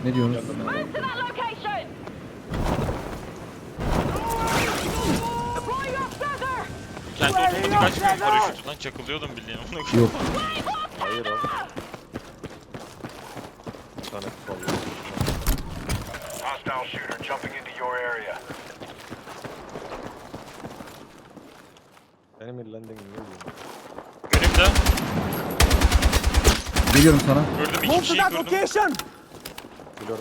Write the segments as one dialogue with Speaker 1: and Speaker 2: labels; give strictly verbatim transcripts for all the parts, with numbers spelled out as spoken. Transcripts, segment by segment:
Speaker 1: Ne diyorsunuz?
Speaker 2: Kendi otomatik açmıyor mu paraşütü lan? Çakılıyordum bildiğin.
Speaker 1: Yok.
Speaker 3: Hayır oğlum. Bir tane vallahi.
Speaker 4: Hostile shooter jumping into your area.
Speaker 3: Enemy landing ne diyor?
Speaker 2: Önümde.
Speaker 1: Geliyorum sana.
Speaker 2: Gördüm iki kişiyi gördüm.
Speaker 3: Biliyorum.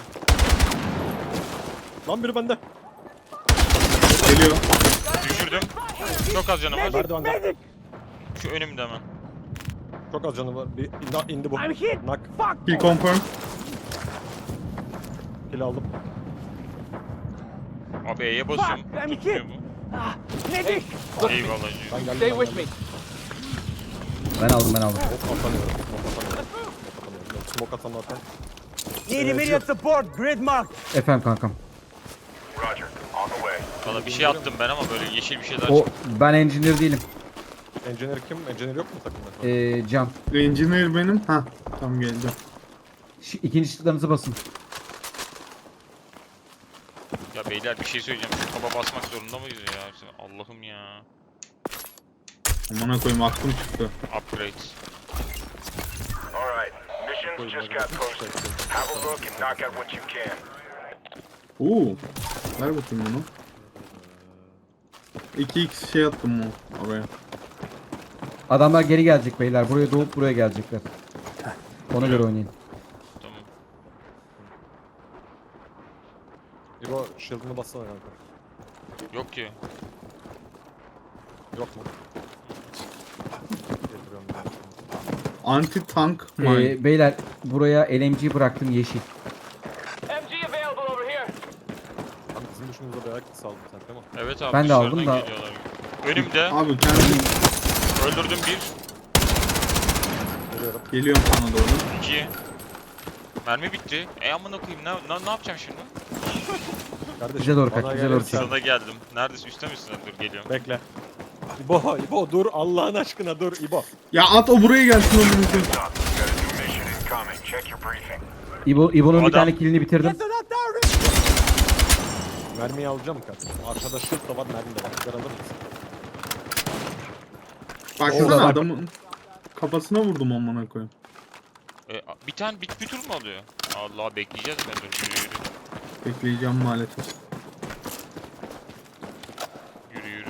Speaker 3: Lan biri bende.
Speaker 5: Geliyor.
Speaker 2: Düşürdüm. Çok az canım var.
Speaker 3: Merdivende.
Speaker 2: Şu önümde hemen.
Speaker 3: Çok az canı var. Bir indi, indi bu. Nak.
Speaker 5: Kill confirm.
Speaker 3: Kill aldım.
Speaker 2: Abi E'ye basıyorum. Tutmuyor bu. Eyvallah.
Speaker 3: Ben geldim.
Speaker 6: Stay
Speaker 3: ben
Speaker 6: with
Speaker 3: geldim.
Speaker 6: me.
Speaker 1: Ben aldım ben aldım.
Speaker 3: Smoke atamıyorum. Smoke atamıyorum. Smoke atamıyorum. Smoke atan zaten.
Speaker 7: Need immediate support. Grid mark.
Speaker 1: Efendim kankam.
Speaker 4: Roger. On the way.
Speaker 2: Valla bir şey attım ben ama böyle yeşil bir şeyler
Speaker 1: O
Speaker 2: çıktı.
Speaker 1: ben engineer değilim.
Speaker 3: Engineer kim? Engineer yok mu takımda?
Speaker 1: Ee, Can.
Speaker 5: Engineer benim. Ha, tam geldi.
Speaker 1: Şu ikinci ışıklarınızı basın.
Speaker 2: Ya beyler bir şey söyleyeceğim. Şu taba basmak zorunda mıyız ya? Allah'ım ya.
Speaker 5: Amına koyayım aklım çıktı.
Speaker 2: Upgrade.
Speaker 4: All right. Missions just got posted. Have a look and knock out what you can.
Speaker 5: Oo. Ver bakayım bunu. iki x şey attım mı oraya.
Speaker 1: Adamlar geri gelecek beyler. Buraya doğup buraya gelecekler. Ona göre oynayın.
Speaker 2: Tamam.
Speaker 3: İbo shield'ını bassana kanka.
Speaker 2: Yok ki.
Speaker 3: Yok mu? Getiriyorum ben.
Speaker 5: Anti tank mine.
Speaker 1: Ee, beyler buraya L M G bıraktım yeşil.
Speaker 6: M G available over here.
Speaker 3: Abi bizim dışımızda bayağı kısa aldın sen değil mi?
Speaker 2: Evet abi
Speaker 1: Ben de
Speaker 2: dışarıdan
Speaker 1: aldım da-
Speaker 2: geliyorlar. Önümde.
Speaker 5: Abi kendim
Speaker 2: Öldürdüm bir.
Speaker 3: Geliyorum.
Speaker 5: geliyorum sana doğru.
Speaker 2: İki. Mermi bitti. E amına koyayım ne, ne, ne yapacağım şimdi?
Speaker 3: Kardeşim,
Speaker 1: Bize doğru
Speaker 3: bana
Speaker 1: kaç, bize doğru
Speaker 3: gelirsen-
Speaker 2: Sana geldim. Neredesin? Üstte misin? Dur geliyorum.
Speaker 3: Bekle. İbo, İbo dur Allah'ın aşkına dur İbo.
Speaker 5: Ya at o buraya gelsin o bizim.
Speaker 4: Stop. You got a new mission incoming. Check your briefing.
Speaker 1: İbo, İbo'nun bir
Speaker 2: Adam-
Speaker 1: tane killini bitirdim.
Speaker 3: Mermiyi alacağım kardeşim. Arkada shield da var, mermi de var. Güzel alır mısın?
Speaker 5: Baksana
Speaker 1: Orada bak.
Speaker 5: adamın kafasına vurdum amına koyayım.
Speaker 2: E, bir tane bir, bir tur mu alıyor? Allah bekleyeceğiz mi? Dur yürü yürü.
Speaker 5: Bekleyeceğim maalesef.
Speaker 2: Yürü yürü.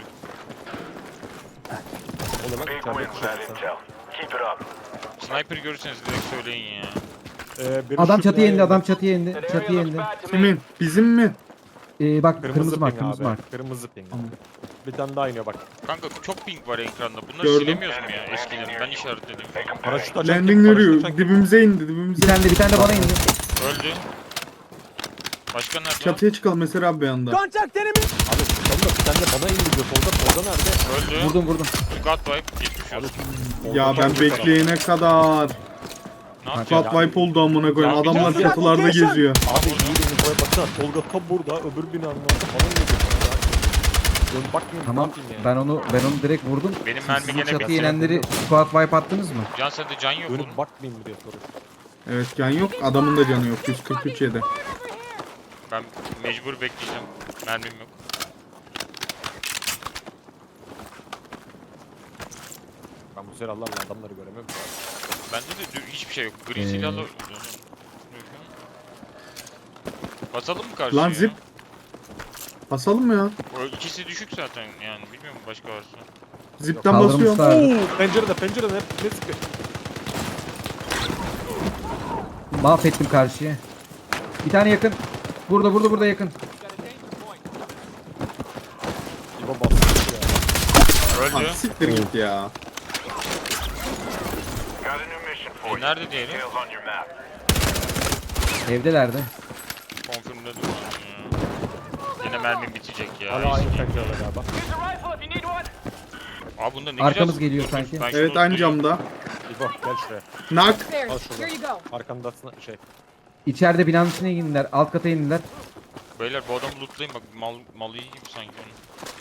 Speaker 3: O zaman
Speaker 4: Big
Speaker 3: içeride
Speaker 4: win with that
Speaker 3: kuşatırsan.
Speaker 4: intel. Keep it up.
Speaker 2: Sniper görürseniz direkt söyleyin ya.
Speaker 3: Ee, biri
Speaker 1: Adam
Speaker 3: şu
Speaker 1: çatıya indi,
Speaker 3: binaya
Speaker 1: adam çatıya indi.
Speaker 6: That area
Speaker 1: Çatıya
Speaker 6: looks
Speaker 1: indi.
Speaker 6: bad to me.
Speaker 5: Kimin? Bizim mi?
Speaker 1: Ee, bak
Speaker 3: Kırmızı,
Speaker 1: kırmızı mark,
Speaker 3: ping
Speaker 1: kırmızı
Speaker 3: abi.
Speaker 1: mark.
Speaker 3: Kırmızı ping.
Speaker 5: Tamam.
Speaker 3: Bir tane daha iniyor bak.
Speaker 2: Kanka çok ping var ekranda. Bunları
Speaker 5: Gördüm.
Speaker 2: silemiyoruz mu ya eskileri? Ben işaretledim.
Speaker 4: Make them pay.
Speaker 3: Paraşüt açarken
Speaker 5: Landing
Speaker 3: paraşüt
Speaker 5: yürüyor.
Speaker 3: açarken-
Speaker 5: Dibimize indi
Speaker 1: Bir
Speaker 5: dibimize.
Speaker 1: tane de bir tane de bana indi.
Speaker 2: Öldü. Başka nerede?
Speaker 5: Çatıya çıkalım mesela abi bir anda.
Speaker 7: Contact enemy.
Speaker 3: Abi çıkalım da bir tane de bana indi diyor. Solda, solda nerede?
Speaker 2: Öldü.
Speaker 1: Vurdum vurdum.
Speaker 2: God wipe. Geçmiş
Speaker 3: Abi,
Speaker 2: olsun.
Speaker 3: solda
Speaker 5: Ya
Speaker 3: çok
Speaker 5: ben
Speaker 3: kötü
Speaker 5: bekleyene kadar.
Speaker 2: Ne yapacağız?
Speaker 5: Squad wipe oldu amına koyayım.
Speaker 2: Ya bir
Speaker 5: Adamlar
Speaker 2: tane-
Speaker 5: çatılarda geziyor.
Speaker 3: adam. Abi iyi beni koya baksana. Tolga tam burada, öbür binanın orada falan ne diyor? Dön bakmayayım.
Speaker 1: Tamam.
Speaker 3: ne yapayım ya?
Speaker 1: Ben onu ben onu direkt vurdum.
Speaker 2: Benim
Speaker 1: Siz
Speaker 2: mermi
Speaker 1: sizin
Speaker 2: gene
Speaker 1: çatıya
Speaker 2: bitti.
Speaker 1: inenleri squad wipe attınız mı?
Speaker 2: Can sende can yok oğlum.
Speaker 3: Dönüp bakmayayım mı diye soruyor.
Speaker 5: Evet can yok. Adamın da canı yok. yüz kırk üç yedi.
Speaker 2: Ben mecbur bekleyeceğim. Mermim yok.
Speaker 3: Ben bu silahlarla adamları göremiyorum.
Speaker 2: Bende de dü- hiçbir şey yok. Gri
Speaker 1: Ee.
Speaker 2: silahla... Basalım mı karşıya?
Speaker 5: Lan zip. Basalım mı ya?
Speaker 2: O ikisi düşük zaten yani. Bilmiyorum başka varsa.
Speaker 5: Zipten basıyorum.
Speaker 1: Kaldırmışlar.
Speaker 3: Oo, pencerede pencerede hep ne sıkıyor?
Speaker 1: Mahvettim karşıya. Bir tane yakın. Burada burada burada yakın.
Speaker 3: İbo bastı ya.
Speaker 5: Lan
Speaker 2: Öldü.
Speaker 5: siktir git ya.
Speaker 4: Got a new mission for
Speaker 2: E
Speaker 4: you.
Speaker 2: nerede diyelim?
Speaker 4: Details on your map.
Speaker 1: Evdelerdi.
Speaker 2: Confirm'de dursun ya. Yine mermim bitecek ya.
Speaker 3: Hala aynı pencerede galiba.
Speaker 6: Here's a rifle if you need one.
Speaker 2: Abi bunda ne
Speaker 1: Arkamız
Speaker 2: güzel-
Speaker 1: geliyor
Speaker 2: Dur,
Speaker 1: sanki.
Speaker 2: ben şunu
Speaker 5: Evet aynı
Speaker 2: tutayım.
Speaker 5: camda.
Speaker 3: İbo gel şuraya.
Speaker 5: Nak.
Speaker 3: Al
Speaker 8: Upstairs.
Speaker 3: şurada.
Speaker 8: Here you go.
Speaker 3: Arkandasına şey.
Speaker 1: İçeride binanın içine indiler. Alt kata indiler.
Speaker 2: Beyler bu adamı lootlayın bak mal, malı iyi gibi sanki onun.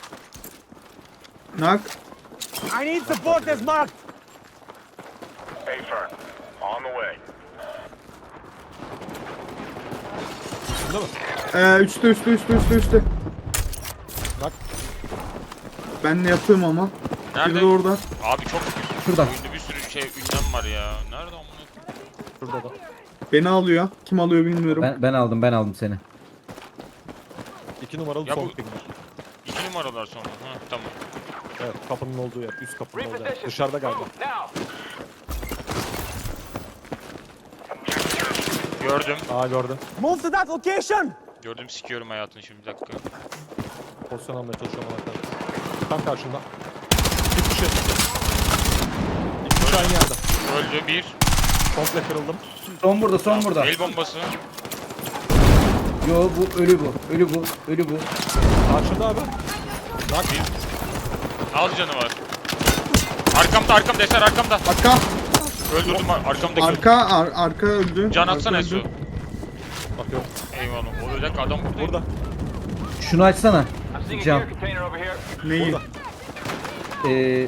Speaker 5: Nak.
Speaker 7: I need support as marked.
Speaker 4: Hey, firm. On the way.
Speaker 3: değil mi?
Speaker 5: Ee, üstte üstte üstte üstte üstte.
Speaker 3: Bak.
Speaker 5: Ben ne yapıyorum ama. Biri
Speaker 2: Nerede?
Speaker 5: de orada.
Speaker 2: Abi çok
Speaker 1: Şurada.
Speaker 2: oyunda bir sürü şey ünlem var ya. Nerede amına?
Speaker 3: Şurada da.
Speaker 5: Beni alıyor. Kim alıyor bilmiyorum.
Speaker 1: Ben, ben aldım ben aldım seni.
Speaker 3: İki numaralı
Speaker 2: Ya
Speaker 3: son
Speaker 2: bu-
Speaker 3: ping var.
Speaker 2: İki numaralar sonra. Ha tamam.
Speaker 3: Evet kapının olduğu yer. Üst kapının olduğu yer.
Speaker 6: Reposition.
Speaker 3: Dışarıda galiba.
Speaker 6: Move now.
Speaker 2: Gördüm.
Speaker 3: Aa gördüm.
Speaker 7: Move to that location!
Speaker 2: Gördüm sikiyorum hayatını şimdi bir dakika.
Speaker 3: Pozisyon almaya çalışıyorum ona. Tam karşında. Bir kişi. İki kişi aynı yerde.
Speaker 2: Öldü bir.
Speaker 3: Komple kırıldım.
Speaker 1: Son burada son burada.
Speaker 2: El bombası.
Speaker 1: Yo bu ölü bu. Ölü bu. Ölü bu.
Speaker 3: Karşında abi. Bak.
Speaker 2: Az canı var. Arkamda arkamda Eser arkamda.
Speaker 5: Arka.
Speaker 2: Öldürdüm ar- arkamdaki.
Speaker 5: Arka. Ar arka öldü.
Speaker 2: Can
Speaker 5: Arka
Speaker 2: atsana
Speaker 5: öldü.
Speaker 2: Esu.
Speaker 3: Bakıyorum.
Speaker 2: Eyvallah. O bir dakika adam burada.
Speaker 3: Burada.
Speaker 1: Şunu açsana.
Speaker 6: I'm seeing a
Speaker 1: Cam.
Speaker 6: gear container over here.
Speaker 5: Neyi?
Speaker 3: Burada.
Speaker 1: Ee,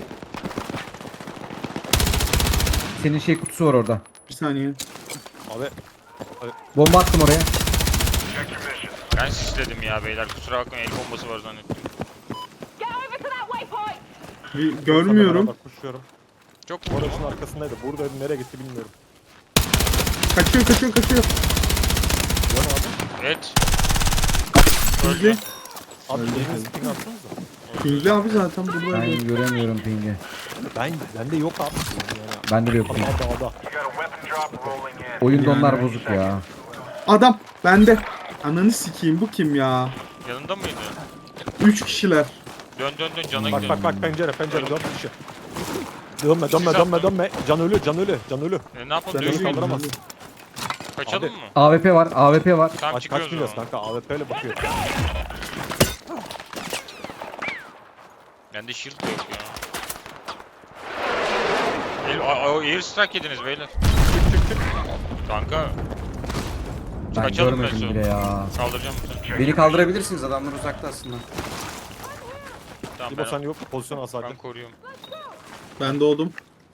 Speaker 1: senin şey kutusu var orada.
Speaker 5: Bir saniye.
Speaker 3: Abi.
Speaker 1: Bomba attım oraya.
Speaker 4: Check your mission.
Speaker 2: Ben sisledim ya beyler. Kusura bakmayın el bombası var zannettim.
Speaker 8: Get over to that waypoint!
Speaker 5: Bir, görmüyorum.
Speaker 3: Bak kuşluyorum.
Speaker 2: Çok vurdum.
Speaker 3: Orasının arkasındaydı. Burada nereye gitti bilmiyorum.
Speaker 5: Kaçıyor kaçıyor kaçıyor.
Speaker 3: Yok abi.
Speaker 2: Et.
Speaker 5: Pingli.
Speaker 2: Öldü.
Speaker 3: Abi
Speaker 5: Öyle
Speaker 3: elinizi
Speaker 5: tabii.
Speaker 3: ping atsanıza.
Speaker 5: Pingli abi zaten burada.
Speaker 1: Ben göremiyorum pingi.
Speaker 3: Ben, bende yok abi. Yani.
Speaker 1: Bende de yok ping.
Speaker 3: Adam dağda.
Speaker 4: You got a weapon drop rolling in.
Speaker 1: Oyunda
Speaker 5: Yani.
Speaker 1: onlar bozuk ya.
Speaker 5: Adam. Bende. Ananı sikeyim bu kim ya?
Speaker 2: Yanında mıydı?
Speaker 5: Üç kişiler.
Speaker 2: Dön dön dön cana
Speaker 3: Bak
Speaker 2: gidiyor.
Speaker 3: bak bak pencere pencere dört kişi. Dönme dönme dönme dönme. Can ölü can ölü can ölü.
Speaker 2: E, ne yapalım?
Speaker 5: Ben
Speaker 3: Dönüş
Speaker 2: Dön,
Speaker 3: kaldıramaz.
Speaker 2: kaçalım
Speaker 3: Abi.
Speaker 2: mı?
Speaker 1: A W P var. A W P var.
Speaker 2: Tamam
Speaker 3: Kaç kaç
Speaker 2: çıkıyoruz o
Speaker 3: biliyorsun
Speaker 2: zaman.
Speaker 3: kanka A W P ile bakıyor.
Speaker 2: Bende shield de yok ya. El, a, a, air strike yediniz beyler.
Speaker 3: Çık çık çık.
Speaker 2: Kanka.
Speaker 1: Ben
Speaker 2: Kaçalım
Speaker 1: görmedim
Speaker 2: Meso.
Speaker 1: bile ya.
Speaker 2: Kaldıracağım seni.
Speaker 1: Beni kaldırabilirsiniz, adamlar uzakta aslında.
Speaker 2: Tamam
Speaker 3: İbo sen
Speaker 2: ben,
Speaker 3: yok pozisyon al sadece.
Speaker 2: ben koruyorum.
Speaker 5: Ben doğdum.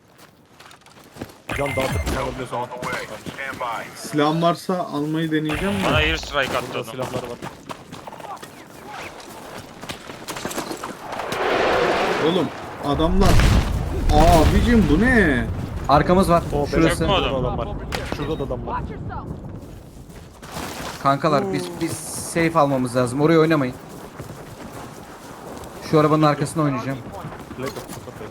Speaker 3: Can dağıtıp alabiliyorsun.
Speaker 4: On the way. Stand by.
Speaker 5: Silahım varsa almayı deneyeceğim
Speaker 2: Bana
Speaker 5: de.
Speaker 2: air strike attı
Speaker 3: Burada
Speaker 2: adam.
Speaker 3: silahları var.
Speaker 5: Oğlum adamlar. Abicim bu ne?
Speaker 1: Arkamız var.
Speaker 3: O
Speaker 1: Şurası.
Speaker 2: Yok mu
Speaker 3: Şurada
Speaker 2: adam?
Speaker 3: da adam var. Şurada da adam var.
Speaker 8: Watch yourself!
Speaker 1: Kankalar biz biz safe almamız lazım. Oraya oynamayın. Şu arabanın arkasına oynayacağım.
Speaker 3: Play kapısı kapıyı.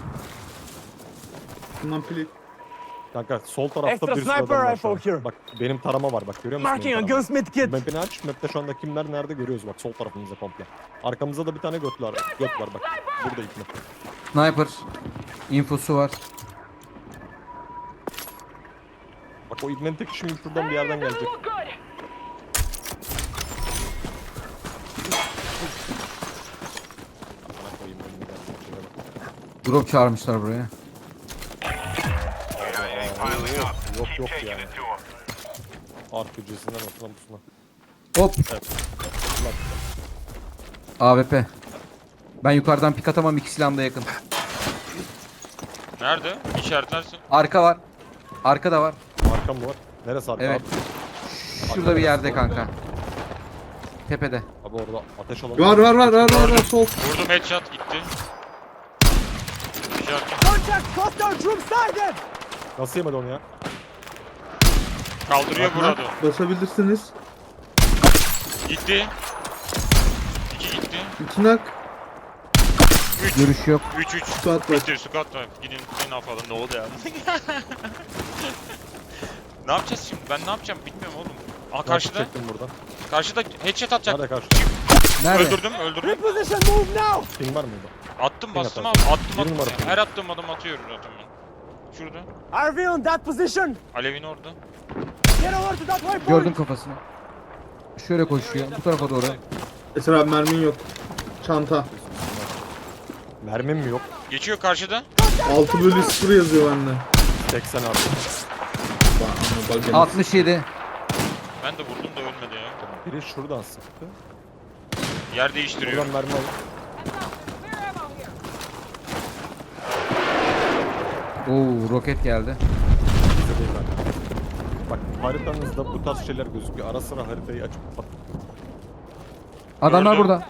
Speaker 5: Bundan pili.
Speaker 3: Kanka sol tarafta
Speaker 7: Extra
Speaker 3: bir sürü adam
Speaker 7: sniper
Speaker 3: var şu
Speaker 7: rifle
Speaker 3: an.
Speaker 7: here.
Speaker 3: Bak benim tarama var bak görüyor musun?
Speaker 7: Marking a
Speaker 3: benim taramayı?
Speaker 7: gunsmith kit!
Speaker 3: Map'ini aç. Map'te şu anda kimler nerede görüyoruz bak sol tarafımızda komple. Arkamızda da bir tane göt var. Göt var bak. Burada ipne.
Speaker 1: Sniper. Infosu var.
Speaker 3: Bak o ibnenin tek şimdi şuradan bir yerden gelecek.
Speaker 6: Look good.
Speaker 3: Bana koyayım önüne gelecek şuraya bak.
Speaker 1: Drop çağırmışlar buraya.
Speaker 4: C I A piling up.
Speaker 3: Yok
Speaker 4: Keep
Speaker 3: yok
Speaker 4: taking
Speaker 3: yani.
Speaker 4: it to them.
Speaker 3: R P G'sinden olsun busuna.
Speaker 1: Hop.
Speaker 3: Evet. Bak.
Speaker 1: A W P. Ben yukarıdan pik atamam, iki silahım da yakın.
Speaker 2: Nerede? İşaretlersin.
Speaker 1: Arka var. Arka da var.
Speaker 3: Arkam mı var? Neresi arka
Speaker 1: Evet.
Speaker 3: abi?
Speaker 1: Şurada bir yerde kanka. Tepede.
Speaker 3: Abi orada ateş alanı.
Speaker 5: Var var var var var var sol.
Speaker 2: Vurdum headshot gitti. İşaret.
Speaker 7: Contact! Hostile troops sighted!
Speaker 3: Nasıl yemedi onu ya?
Speaker 2: Kaldırıyor
Speaker 5: Bak,
Speaker 2: burada.
Speaker 5: basabilirsiniz.
Speaker 2: Gitti. İki gitti.
Speaker 5: İki nak.
Speaker 2: Üç.
Speaker 1: Görüş yok.
Speaker 2: Üç üç.
Speaker 5: Squat var.
Speaker 2: Bitti squat var. Gidin ne yapalım ne oldu ya? Ne yapacağız şimdi? Ben ne yapacağım bilmiyorum oğlum. Aa karşıda.
Speaker 3: Çektim buradan.
Speaker 2: Karşıda headshot atacak.
Speaker 3: Nerede karşıda?
Speaker 1: Nerede?
Speaker 2: Öldürdüm öldürdüm.
Speaker 7: Reposition move now!
Speaker 3: Ping var mıydı?
Speaker 2: Attım bastım abi.
Speaker 3: atarsın.
Speaker 2: Attım
Speaker 3: Bir
Speaker 2: attım.
Speaker 3: numara
Speaker 2: Ya.
Speaker 3: ping.
Speaker 2: Her attığım adam atıyorum zaten ben. Şurada.
Speaker 7: R V on that position!
Speaker 2: Alevin orada.
Speaker 7: Get over to that waypoint!
Speaker 1: Gördüm kafasını. Şöyle koşuyor. Bu tarafa doğru.
Speaker 5: Eser abi mermin yok. Çanta.
Speaker 3: Mermim mi yok?
Speaker 2: Geçiyor karşıda.
Speaker 5: altı bölü sıfır yazıyor bende.
Speaker 3: seksen abi.
Speaker 5: Bak, ama bak,
Speaker 1: altmış yedi.
Speaker 2: Ben de vurdum da ölmedi ya.
Speaker 3: Biri şuradan sıktı.
Speaker 2: Yer değiştiriyor.
Speaker 3: Buradan mermi alıp
Speaker 8: Clear ammo here!
Speaker 1: Oo, roket geldi.
Speaker 3: bize değil abi. Bak haritanızda bu tarz şeyler gözüküyor. Ara sıra haritayı açıp kapat.
Speaker 1: Adamlar
Speaker 2: Gördüm.
Speaker 1: burada.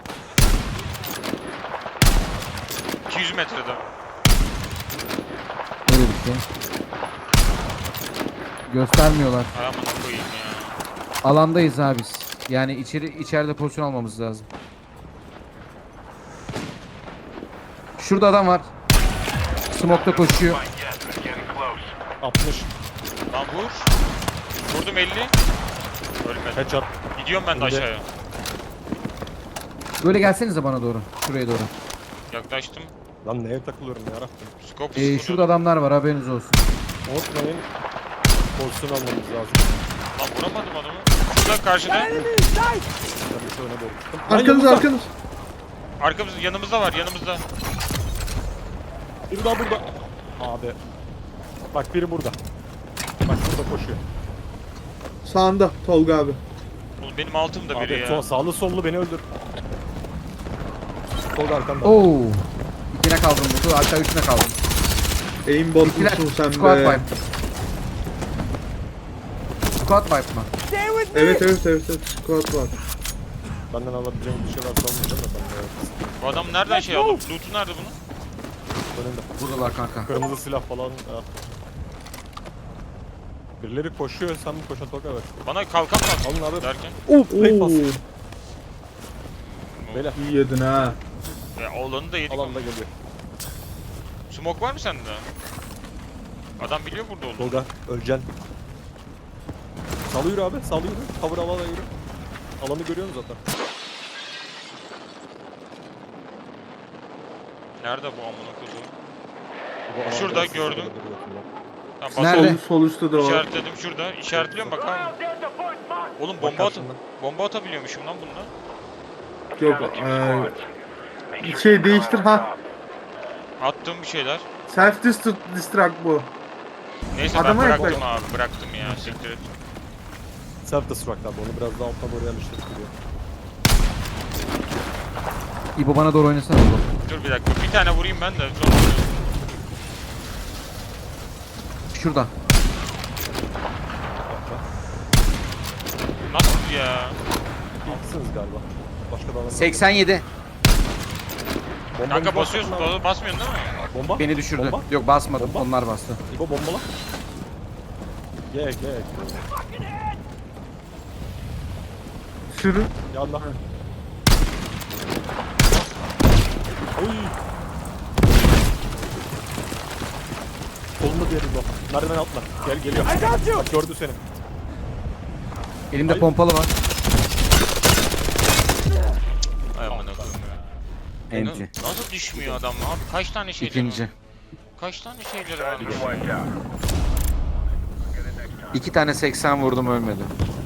Speaker 2: iki yüz metrede.
Speaker 1: Öyle bir şey. Göstermiyorlar.
Speaker 2: Ay amına koyayım ya.
Speaker 1: Alandayız abi biz. Yani içeri içeride pozisyon almamız lazım. Şurada adam var. Smoke'ta koşuyor.
Speaker 4: Yes, it's getting close.
Speaker 3: altmış.
Speaker 2: Lan vur. Vurdum elli. Ölmedi.
Speaker 3: Headshot.
Speaker 2: Gidiyorum ben de
Speaker 3: Önde.
Speaker 2: aşağıya.
Speaker 1: Böyle gelsenize bana doğru. Şuraya doğru.
Speaker 2: Yaklaştım.
Speaker 3: Lan neye takılıyorum yarabbim.
Speaker 2: Scope
Speaker 1: Ee,
Speaker 2: sıfır
Speaker 1: şurada
Speaker 2: oldu.
Speaker 1: adamlar var, haberiniz olsun.
Speaker 3: Unutmayın. Pozisyon almamız lazım.
Speaker 2: Lan vuramadım adamı. Şurada karşıda.
Speaker 7: Enemy in sight!
Speaker 3: Ben de şu öne doğru gittim. Lan
Speaker 5: Arkanız
Speaker 3: yanımızda.
Speaker 5: arkanız.
Speaker 2: Arkamızda yanımızda var yanımızda.
Speaker 3: Biri daha burada. Abi. Bak biri burada. Bak burada koşuyor.
Speaker 5: Sağında Tolga abi.
Speaker 2: Oğlum benim altımda biri
Speaker 3: Abi
Speaker 2: ya.
Speaker 3: son sağlı sollu beni öldür. Tolga arkanda.
Speaker 1: Oo. İkine kaldım burada. Hatta üçüne kaldım.
Speaker 5: Aimbot
Speaker 1: İkiler.
Speaker 5: musun sen
Speaker 1: Squad
Speaker 5: be?
Speaker 1: wipe. Squad wipe mı?
Speaker 7: Stay with me!
Speaker 5: Evet evet evet evet. Squad var.
Speaker 3: Benden alabileceğim bir şey varsa almayacağım da ben de evet.
Speaker 2: Bu adam nereden şey aldı? Loot'u nerede bunun?
Speaker 3: Önümde.
Speaker 1: Buradalar kanka.
Speaker 3: Kırmızı silah falan. Ha. Birileri koşuyor, sen mi koşan Tolga? Evet.
Speaker 2: Bana kalkan lazım.
Speaker 3: Alın abi.
Speaker 2: Derken.
Speaker 3: Oh, play pass.
Speaker 5: Oo,
Speaker 3: Beyler,
Speaker 5: iyi yedin ha.
Speaker 2: Ya oğlanı da yedik.
Speaker 3: alanda geliyor.
Speaker 2: Smoke var mı sende? Adam biliyor burada olduğunu.
Speaker 3: Tolga, öleceksin. Salı yürü abi, salı yürü. Cover alana yürü. Alanı görüyorsun zaten.
Speaker 2: Nerede bu amına koyduğum?
Speaker 3: Bu alanda
Speaker 2: Şurada,
Speaker 3: siz
Speaker 2: gördüm.
Speaker 3: orada duruyorsunuz.
Speaker 2: Tamam, bas.
Speaker 1: Nerede?
Speaker 5: Sol, sol üstte de var.
Speaker 2: İşaretledim şurada. İşaretliyorum bak abi.
Speaker 6: Ground down to point mark.
Speaker 2: Oğlum
Speaker 3: Bak
Speaker 2: bomba at
Speaker 3: karşında.
Speaker 2: bomba atabiliyormuşum lan bunda.
Speaker 5: Yok
Speaker 4: Down to two
Speaker 5: eee,
Speaker 4: squads. Make sure
Speaker 5: şey
Speaker 4: you
Speaker 5: değiştir
Speaker 4: climb on
Speaker 5: ha.
Speaker 4: top.
Speaker 2: Attım bir şeyler.
Speaker 5: Self destruct bu.
Speaker 2: Neyse
Speaker 5: Adama
Speaker 2: ben bıraktım
Speaker 5: yaklaş.
Speaker 2: abi bıraktım ya siktir et.
Speaker 3: Self destruct abi, onu biraz daha alttan doğru yerleştirip duruyor.
Speaker 1: İbo bana doğru oynasana İbo.
Speaker 2: Dur bir dakika bir tane vurayım ben de. Sonra...
Speaker 1: Şurada.
Speaker 2: Nasıl ya?
Speaker 3: İlksiniz galiba. Başka da alan yok.
Speaker 1: seksen yedi.
Speaker 3: Bombamız
Speaker 2: Kanka
Speaker 3: var
Speaker 2: basıyorsun
Speaker 3: sakın abi.
Speaker 2: ba- basmıyorsun değil mi?
Speaker 3: Bomba.
Speaker 1: Beni düşürdü.
Speaker 3: Bomba.
Speaker 1: Yok basmadım.
Speaker 3: Bomba.
Speaker 1: Onlar bastı.
Speaker 3: İbo bombala. Gel gel.
Speaker 5: Sürü.
Speaker 3: Yandan. Oy. Solunda diğeri bu. Merdiven atla. Gel geliyor.
Speaker 7: I got you!
Speaker 3: Bak gördü seni.
Speaker 1: Elimde
Speaker 3: Hayır.
Speaker 1: pompalı var.
Speaker 2: Ay amına koyayım ya. E,
Speaker 1: Enti.
Speaker 2: na- Nasıl düşmüyor adam abi? Kaç tane şeyleri
Speaker 1: İkinci.
Speaker 2: var? Kaç tane şeyleri var?
Speaker 4: You're wiped out.
Speaker 1: İki tane seksen vurdum, ölmedi.